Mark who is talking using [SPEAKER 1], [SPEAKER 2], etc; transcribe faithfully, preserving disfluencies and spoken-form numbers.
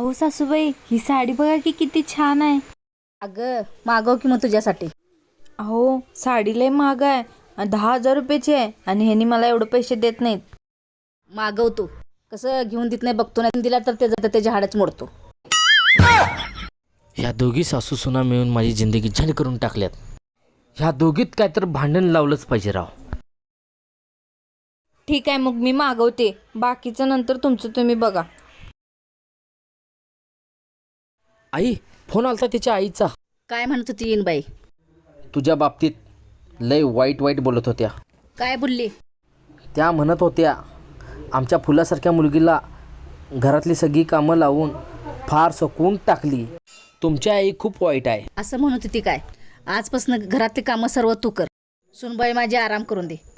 [SPEAKER 1] अहो सासूबाई, ही साडी बघा की किती छान आहे.
[SPEAKER 2] अगं मागव की मग तुझ्यासाठी.
[SPEAKER 1] अहो साडी लय महाग आहे आणि दहा हजार रुपयाची आहे आणि ह्यांनी मला एवढे पैसे देत नाहीत.
[SPEAKER 2] मागव तू. कसं घेऊन देत नाही बघतो, नाही दिला तर त्याचं तर त्याच्या हाडच मोडतो.
[SPEAKER 3] ह्या दोघी सासू सुना मिळून माझी जिंदगी झंड करून टाकल्यात. ह्या दोघीत काय तर भांडण लावलंच पाहिजे राव.
[SPEAKER 1] ठीक आहे, मग मी मागवते. बाकीचं नंतर तुमचं तुम्ही बघा.
[SPEAKER 3] आई, फोन आलता तिच्या आईचा.
[SPEAKER 2] काय म्हणत होती येईन बाई?
[SPEAKER 3] तुझ्या बाबतीत लय वाईट वाईट बोलत होत्या.
[SPEAKER 2] काय बोलली?
[SPEAKER 3] त्या म्हणत होत्या आमच्या फुलासारख्या मुलगीला घरातली सगळी कामं लावून फार सकून टाकली. तुमची आई खूप वाईट आहे.
[SPEAKER 2] असं म्हणत होती काय? आजपासून घरातली कामं सर्व तू कर. सुनबाई माझी आराम करून दे.